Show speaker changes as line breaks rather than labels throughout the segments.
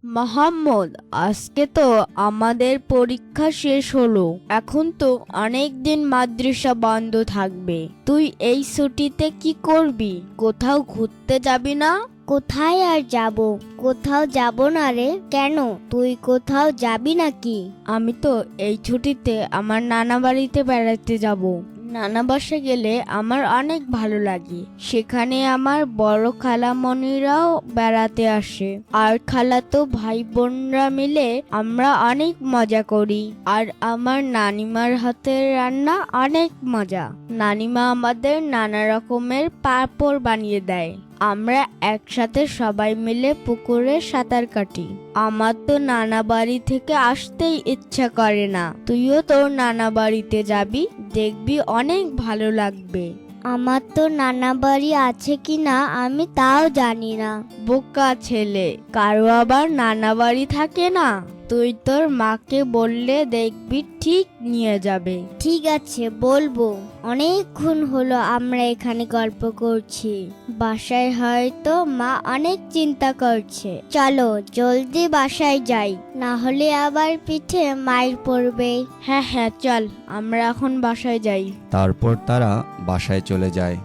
মোহাম্মদ, আজকে তো আমাদের পরীক্ষা শেষ হলো। এখন তো অনেক দিন মাদ্রাসা বন্ধ থাকবে। তুই এই ছুটিতে কি করবি? কোথাও ঘুরতে যাবি না?
কোথায় আর যাব? কোথাও যাব না রে। কেন, তুই কোথাও যাবি নাকি?
আমি তো এই ছুটিতে আমার নানা বাড়িতে বেড়াতে যাব। নানা বাসা গেলে আমার অনেক ভালো লাগে। সেখানে আমার বড় খালামণিরাও বেড়াতে আসে, আর খালাতো ভাই বোনরা মিলে আমরা অনেক মজা করি। আর আমার নানিমার হাতের রান্না অনেক মজা। নানিমা আমাদের নানা রকমের পাঁপড় বানিয়ে দেয়। আমরা একসাথে সবাই মিলে পুকুরে সাঁতার কাটি। আমার তো নানা বাড়ি থেকে আসতেই ইচ্ছা করে না। তুইও তোর নানা বাড়িতে যাবি, দেখবি অনেক ভালো লাগবে।
আমার তো নানা বাড়ি আছে কি না আমি তাও জানি না।
বোকা ছেলে, কারো আবার নানা বাড়ি থাকে না? তুই তোর মাকে বললে দেখবি ঠিক নিয়ে যাবে।
ঠিক আছে, বলবো। অনেকক্ষণ হলো আমরা এখানে গল্প করছি। বাসায় হয়তো মা অনেক চিন্তা করছে। চলো জলদি বাসায় যাই, না হলে আবার পিঠে মাইর পড়বে।
হ্যাঁ হ্যাঁ, চল আমরা এখন বাসায় যাই।
তারপর তারা বাসায় চলে যায়।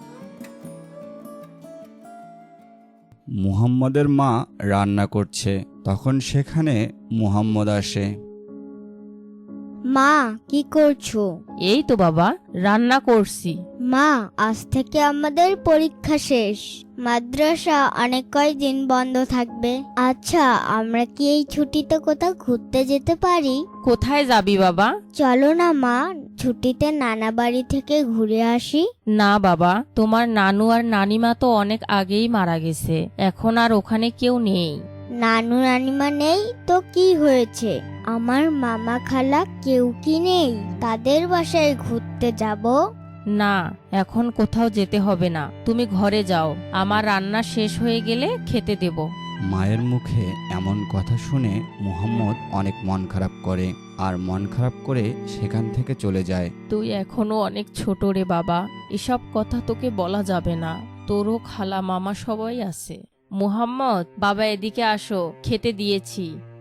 মুহাম্মদের মা রান্না করছে, তখন সেখানে মুহাম্মদ আসে।
মা, কি করছো?
এই তো বাবা, রান্না করছি।
মা, আজ থেকে আমাদের পরীক্ষা শেষ। মাদ্রাসা অনেক কয়দিন বন্ধ থাকবে। আচ্ছা, আমরা কি এই ছুটিতে কোথাও ঘুরতে যেতে পারি?
কোথায় যাবি বাবা?
চলো না মা, ছুটিতে নানা বাড়ি থেকে ঘুরে আসি।
না বাবা, তোমার নানু আর নানিমা তো অনেক আগেই মারা গেছে। এখন আর ওখানে কেউ নেই।
নানু নানিমা নেই তো কি হয়েছে? আমার মামা খালা কেউ কি নেই? তাদের বাসায় ঘুরতে যাব?
না, এখন কোথাও যেতে হবে না। তুমি ঘরে যাও, আমার রান্না শেষ হয়ে গেলে খেতে দেব।
মায়ের মুখে এমন কথা শুনে মুহাম্মদ অনেক মন খারাপ করে, আর মন খারাপ করে সেখান থেকে চলে যায়।
তুই এখনো অনেক ছোট রে বাবা, এসব কথা তোকে বলা যাবে না। তোরও খালা মামা সবাই আছে। মুহাম্মদ, বাবা এদিকে আসো, খেতে দিয়েছি।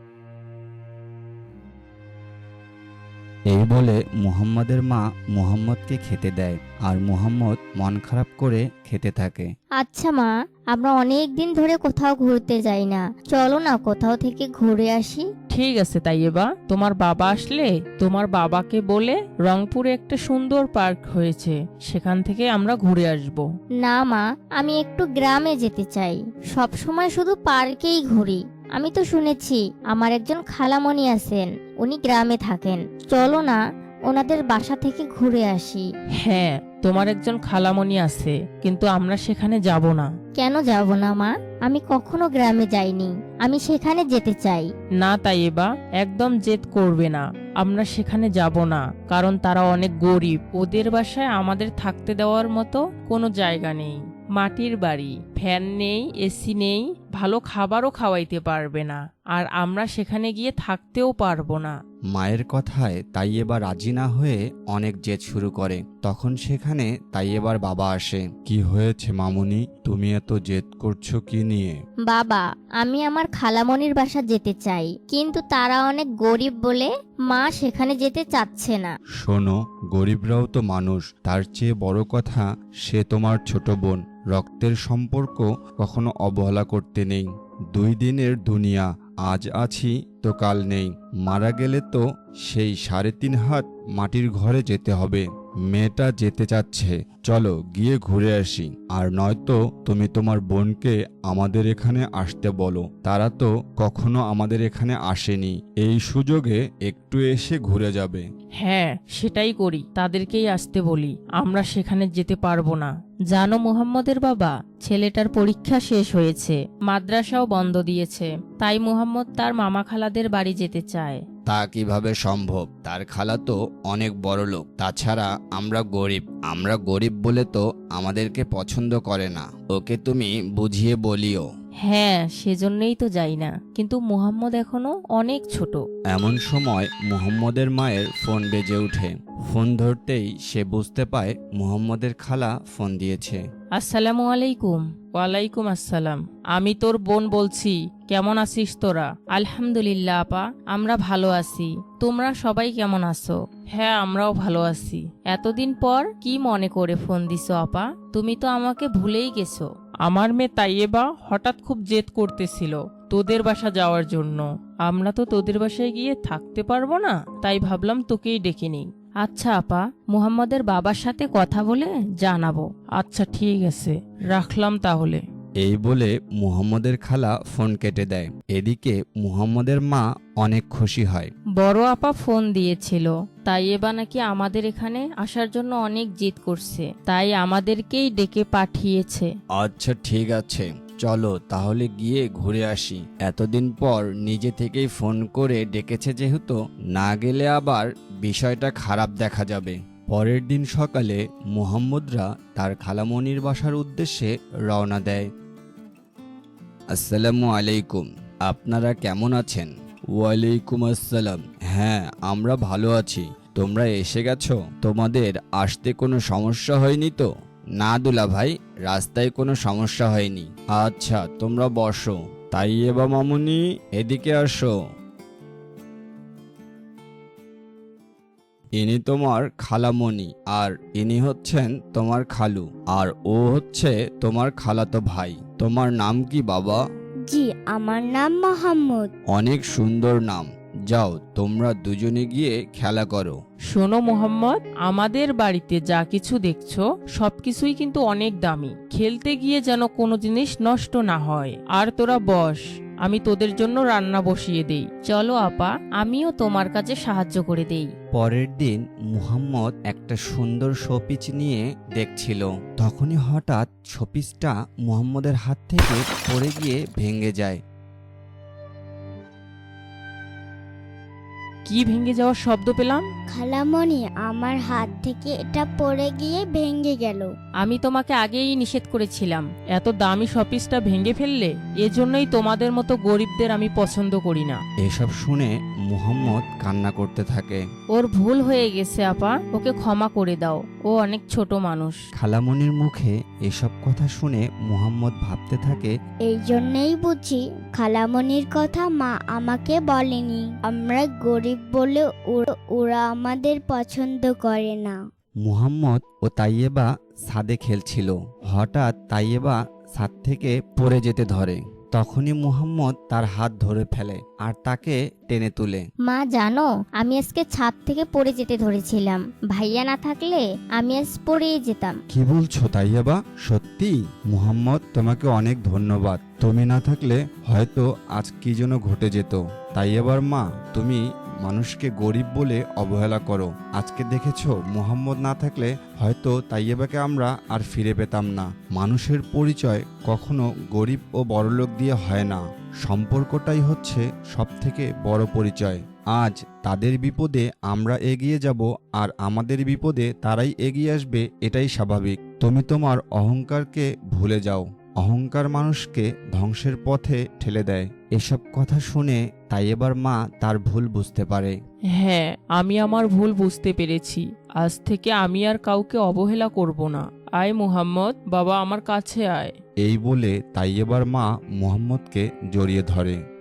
এই বলে মুহাম্মদের মা মুহাম্মদকে খেতে দেয়, আর মুহাম্মদ মন খারাপ করে খেতে থাকে।
আচ্ছা মা, আমরা অনেক দিন ধরে কোথাও ঘুরতে যাই না। চলো না কোথাও থেকে ঘুরে আসি।
ঠিক আছে তাইয়েবা, তোমার বাবা আসলে তোমার বাবাকে বলে রংপুরে একটা সুন্দর পার্ক হয়েছে, সেখান থেকে আমরা ঘুরে আসব।
না মা, আমি একটু গ্রামে যেতে চাই। সব সময় শুধু পার্কেই ঘুরি। আমি তো শুনেছি আমার একজন খালামণি আছেন, উনি গ্রামে থাকেন। চলো না ওনাদের বাসা থেকে ঘুরে আসি।
হ্যাঁ, তোমার একজন খালামণি আছে, কিন্তু আমরা সেখানে যাব না।
কেন যাব না মা? আমি কখনো গ্রামে যাইনি, আমি সেখানে যেতে চাই।
না তাইয়েবা, একদম জেদ করবে না। আমরা সেখানে যাব না, কারণ তারা অনেক গরিব। ওদের বাসায় আমাদের থাকতে দেওয়ার মতো কোনো জায়গা নেই। মাটির বাড়ি, ফ্যান নেই, এসি নেই, ভালো খাবারও খাওয়াইতে পারবে না। আর আমরা সেখানে গিয়ে থাকতেও পারবো না।
মায়ের কথায় তাইয়েবা রাজি না হয়ে অনেক জেদ শুরু করে। তখন সেখানে তাইয়েবার বাবা আসে। কি হয়েছে মামুনি, তুমি এত জেদ করছো কি নিয়ে?
বাবা, আমি আমার খালামণির বাসা যেতে চাই, কিন্তু তারা অনেক গরিব বলে মা সেখানে যেতে চাচ্ছে না।
শোনো, গরিবরাও তো মানুষ। তার চেয়ে বড় কথা, সে তোমার ছোট বোন। রক্তের সম্পর্ক কখনো অবহেলা করতে নেই। 2 দিনের দুনিয়া, আজ আছি তো কাল নেই। মারা গেলে তো সেই 3.5 হাত মাটির ঘরে যেতে হবে। মেয়েটা যেতে চাচ্ছে, চলো গিয়ে ঘুরে আসি। আর নয়তো তুমি তোমার বোনকে আমাদের এখানে আসতে বলো। তারা তো কখনো আমাদের এখানে আসেনি, এই সুযোগে একটু এসে ঘুরে যাবে।
হ্যাঁ, সেটাই করি, তাদেরকেই আসতে বলি। আমরা সেখানে যেতে পারবো না। জানো মুহাম্মদের বাবা, ছেলেটার পরীক্ষা শেষ হয়েছে, মাদ্রাসাও বন্ধ দিয়েছে, তাই মুহাম্মদ তার মামা খালাদের বাড়ি যেতে চায়।
তা কিভাবে সম্ভব? তার খালা তো অনেক বড় লোক। তাছাড়া আমরা গরিব বলে তো আমাদেরকে পছন্দ করে না। ওকে তুমি বুঝিয়ে বলিও।
হ্যাঁ, সেজন্যই তো যাই না, কিন্তু মুহাম্মদ এখনো অনেক ছোট।
এমন সময় মুহাম্মদের মায়ের ফোন বেজে ওঠে। ফোন ধরতেই সে বুঝতে পায় মুহাম্মদের খালা ফোন দিয়েছে।
আসসালামু আলাইকুম। ওয়ালাইকুম আসসালাম। আমি তোর বোন বলছি, কেমন আছিস তোরা? আলহামদুলিল্লাহ আপা, আমরা ভালো আছি। তোমরা সবাই কেমন আছো? হ্যাঁ, আমরাও ভালো আছি। এতদিন পর কি মনে করে ফোন দিছো আপা? তুমি তো আমাকে ভুলেই গেছো। আমার মেয়ে তাইয়েবা হঠাৎ খুব জেদ করতেছিল তোদের বাসা যাওয়ার জন্য। আমরা তো তোদের বাসায় গিয়ে থাকতে পারবো না, তাই ভাবলাম তোকেই ডেকে নিই। আচ্ছা আপা, মুহাম্মদের বাবার সাথে কথা বলে জানাবো। আচ্ছা ঠিক আছে, রাখলাম তাহলে।
এই বলে মুহাম্মদের খালা ফোন কেটে দেয়। এদিকে মুহাম্মদের মা অনেক খুশি হয়।
বড় আপা ফোন দিয়েছিল, তাই এবার নাকি আমাদের এখানে আসার জন্য অনেক জিদ করছে, তাই আমাদেরকেই ডেকে পাঠিয়েছে।
আচ্ছা ঠিক আছে, চলো তাহলে গিয়ে ঘুরে আসি। এতদিন পর নিজে থেকেই ফোন করে ডেকেছে, যেহেতু না গেলে আবার বিষয়টা খারাপ দেখা যাবে। পরের দিন সকালে মুহাম্মদরা তার খালামণির বাসার উদ্দেশ্যে রওনা দেয়। আসসালামু আলাইকুম, আপনারা কেমন আছেন? ওয়ালাইকুম আসসালাম। হ্যাঁ, আমরা ভালো আছি। তোমরা এসে গেছো? তোমাদের আসতে কোনো সমস্যা হয়নি তো? না দুলা ভাই, রাস্তায় কোনো সমস্যা হয়নি। আচ্ছা, তোমরা বসো। তাই এবার মামুনি, এদিকে আসো। ইনি তোমার খালামণি, আর ইনি হচ্ছেন তোমার খালু, আর ও হচ্ছে তোমার খালাতো ভাই। তোমার নাম কি বাবা?
জি, আমার নাম মোহাম্মদ।
অনেক সুন্দর নাম। যাও, তোমরা দুজনে গিয়ে খেলা করো।
শোনো মোহাম্মদ, আমাদের বাড়িতে যা কিছু দেখছো সবকিছুই কিন্তু অনেক দামি। খেলতে গিয়ে যেন কোনো জিনিস নষ্ট না হয়। আর তোরা বস, আমি তোদের জন্য রান্না বসিয়ে দেই। চলো আপা, আমিও তোমার কাছে সাহায্য করে দেই।
পরের দিন মুহাম্মদ একটা সুন্দর শোপিস নিয়ে দেখছিল। তখনই হঠাৎ শোপিসটা মুহাম্মদের হাত থেকে পড়ে গিয়ে ভেঙে যায়।
কি ভেঙে যাওয়ার শব্দ পেলাম?
খালামণি, আমার হাত থেকে এটা পড়ে গিয়ে ভেঙে গেল।
আমি তোমাকে আগেই নিষেধ করেছিলাম এত দামি শপিসটা ভেঙে ফেললে। এজন্যই তোমাদের মতো গরিবদের আমি পছন্দ করি না।
এসব শুনে মুহাম্মদ কান্না করতে থাকে।
ওর ভুল হয়ে গেছে আপা, ওকে ক্ষমা করে দাও। ও অনেক ছোট মানুষ।
খালামণির মুখে এসব কথা শুনে মুহাম্মদ ভাবতে থাকে,
এই জন্যই বুঝি খালামণির কথা মা আমাকে বলেনি। আমরা গরিব বলে ওরা আমাদের পছন্দ করে না।
মুহাম্মদ ও তাইয়েবা ছাদে খেলছিল। হঠাৎ তাইয়েবা ছাদ থেকে পড়ে যেতে ধরে। তখনই মুহাম্মদ তার হাত ধরে ফেলে আর তাকে টেনে তুলে।
মা জানো, আমি আজকে ছাদ থেকে পড়ে যেতে ধরেছিলাম। ভাইয়া না থাকলে আমি আজ পড়েই যেতাম।
কি বলছো তাইয়েবা? সত্যি? মুহাম্মদ, তোমাকে অনেক ধন্যবাদ। তুমি না থাকলে হয়তো আজ কি যেন ঘটে যেত। তাইয়েবার মা, তুমি মানুষকে গরিব বলে অবহেলা করো। আজকে দেখেছো, মুহাম্মদ না থাকলে হয়তো তাইয়েবাকে আমরা আর ফিরে পেতাম না। মানুষের পরিচয় কখনো গরিব ও বড়লোক দিয়ে হয় না। সম্পর্কটাই হচ্ছে সবথেকে বড় পরিচয়। আজ তাদের বিপদে আমরা এগিয়ে যাব, আর আমাদের বিপদে তারাই এগিয়ে আসবে, এটাই স্বাভাবিক। তুমি তোমার অহংকারকে ভুলে যাও। অহংকার মানুষকে ধ্বংসের পথে ঠেলে দেয়। এসব কথা শুনে তাইয়েবার মা তার ভুল বুঝতে পারে।
হ্যাঁ, আমি আমার ভুল বুঝতে পেরেছি। আজ থেকে আমি আর কাউকে অবহেলা করব না। আয় মুহাম্মদ, বাবা আমার কাছে আয়।
এই বলে তাইয়েবার মা মুহাম্মদকে জড়িয়ে ধরে।